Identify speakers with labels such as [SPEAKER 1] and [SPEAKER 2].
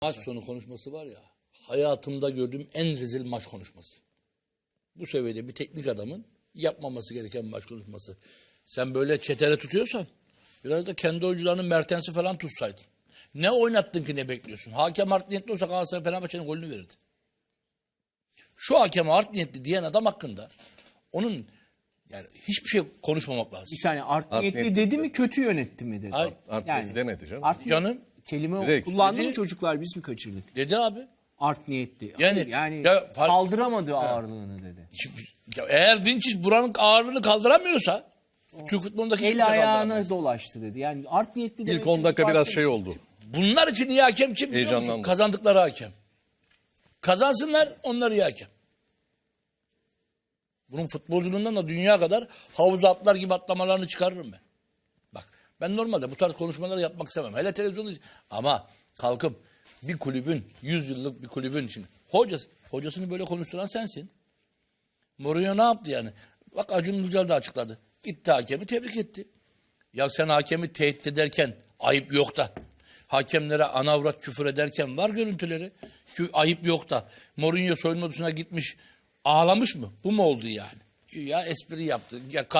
[SPEAKER 1] Maç sonu konuşması var ya, hayatımda gördüğüm en rezil maç konuşması. Bu seviyede bir teknik adamın yapmaması gereken maç konuşması. Sen böyle çetele tutuyorsan biraz da kendi oyuncularının Mertens'i falan tutsaydın. Ne oynattın ki ne bekliyorsun? Hakem art niyetli olsa Galatasaray Fenerbahçe'nin golünü verirdi. Şu hakeme art niyetli diyen adam hakkında onun yani hiçbir şey konuşmamak lazım.
[SPEAKER 2] Bir saniye art niyetli dedi mi kötü yönetti mi dedi.
[SPEAKER 1] Hayır.
[SPEAKER 3] Art niyetli demedi canım.
[SPEAKER 2] Art
[SPEAKER 1] Canım
[SPEAKER 2] kelime
[SPEAKER 3] Direkt.
[SPEAKER 2] kullandı mı
[SPEAKER 1] Dedi.
[SPEAKER 2] çocuklar biz mi kaçırdık?
[SPEAKER 1] dedi abi.
[SPEAKER 2] Art niyetli.
[SPEAKER 1] Yani-
[SPEAKER 2] Yani
[SPEAKER 1] Ya,
[SPEAKER 2] kaldıramadı ağırlığını dedi.
[SPEAKER 1] Ya eğer Vinicius buranın ağırlığını kaldıramıyorsa Türk futbolundaki hiçbir
[SPEAKER 2] El
[SPEAKER 1] şey
[SPEAKER 2] ayağına
[SPEAKER 1] kaldıramaz.
[SPEAKER 2] dolaştı dedi. Yani art niyetli demek
[SPEAKER 3] İlk 10 dakika
[SPEAKER 2] çok
[SPEAKER 3] biraz
[SPEAKER 2] farklı
[SPEAKER 3] şey
[SPEAKER 2] bir
[SPEAKER 3] oldu.
[SPEAKER 1] Bunlar için iyi hakem kim biliyor musun?
[SPEAKER 3] Heyecanlandı.
[SPEAKER 1] Kazandıkları hakem. Kazansınlar, onlar iyi hakem. Bunun futbolculuğundan da dünya kadar havuza atlar gibi atlamalarını çıkarırım ben. Bak ben normalde bu tarz konuşmaları yapmak istemem. Hele televizyonda ama kalkıp bir kulübün, 100 yıllık bir kulübün için hocasını böyle konuşturan sensin. Mourinho ne yaptı yani? Bak Acun Ilıcalı da açıkladı. Gitti hakemi tebrik etti. Ya sen hakemi tehdit ederken ayıp yok da. Hakemlere anavrat küfür ederken var görüntüleri. Ayıp yok da. Mourinho soyunma odasına gitmiş ağlamış mı? Bu mu oldu yani? Ya espri yaptı. Ya